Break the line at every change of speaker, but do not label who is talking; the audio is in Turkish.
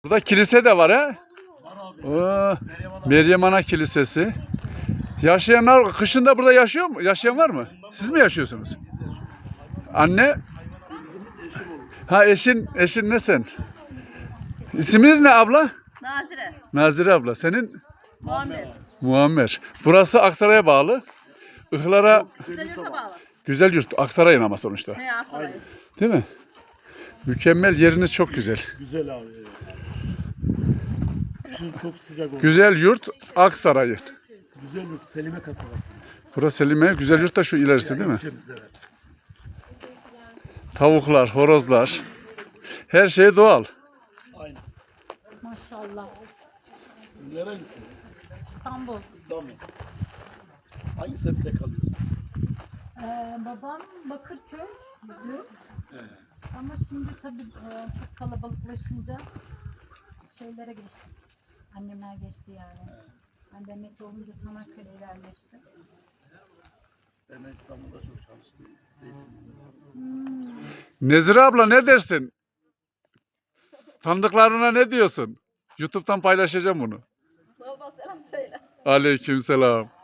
Burada kilise de var ha.
Var abi.
Oo, Meryem Ana Kilisesi. Yaşayanlar kışın da burada yaşıyor mu? Yaşayan var mı? Siz mi yaşıyorsunuz? Anne?
Bizim eşim olur.
Ha eşin ne sen? İsminiz ne abla?
Nazire.
Nazire abla. Senin?
Muammer.
Muammer. Burası Aksaray'a bağlı. Ihlara
Güzel yurta bağlı.
güzel yurt. Aksaray'ın ama sonuçta.
Ne Aksaray.
Değil mi? Mükemmel, yeriniz çok güzel.
Güzel abi. Kışın çok sıcak olur.
Güzel yurt Aksaray'ın.
Güzel yurt. Selime kasabası.
Burası Selime. Güzel yurt da şu ilerisi değil mi?
İlçemiz, evet.
Tavuklar, horozlar. Her şey doğal.
Aynen.
Maşallah.
Siz nerelisiniz?
İstanbul.
İstanbul. Hangi semtte kalıyorsunuz?
Babam Bakırköy'dü. Ama şimdi tabii çok kalabalıklaşınca şeylere geçti. Annemler geçti yani. Ben de emekli olunca Çanakkale'ye yerleştim.
Ben de İstanbul'da çok çalıştım. Zeytinburnu'da.
Nezire abla ne dersin? Tanıdıklarına ne diyorsun? YouTube'dan paylaşacağım bunu.
Baba selam söyle.
Aleykümselam.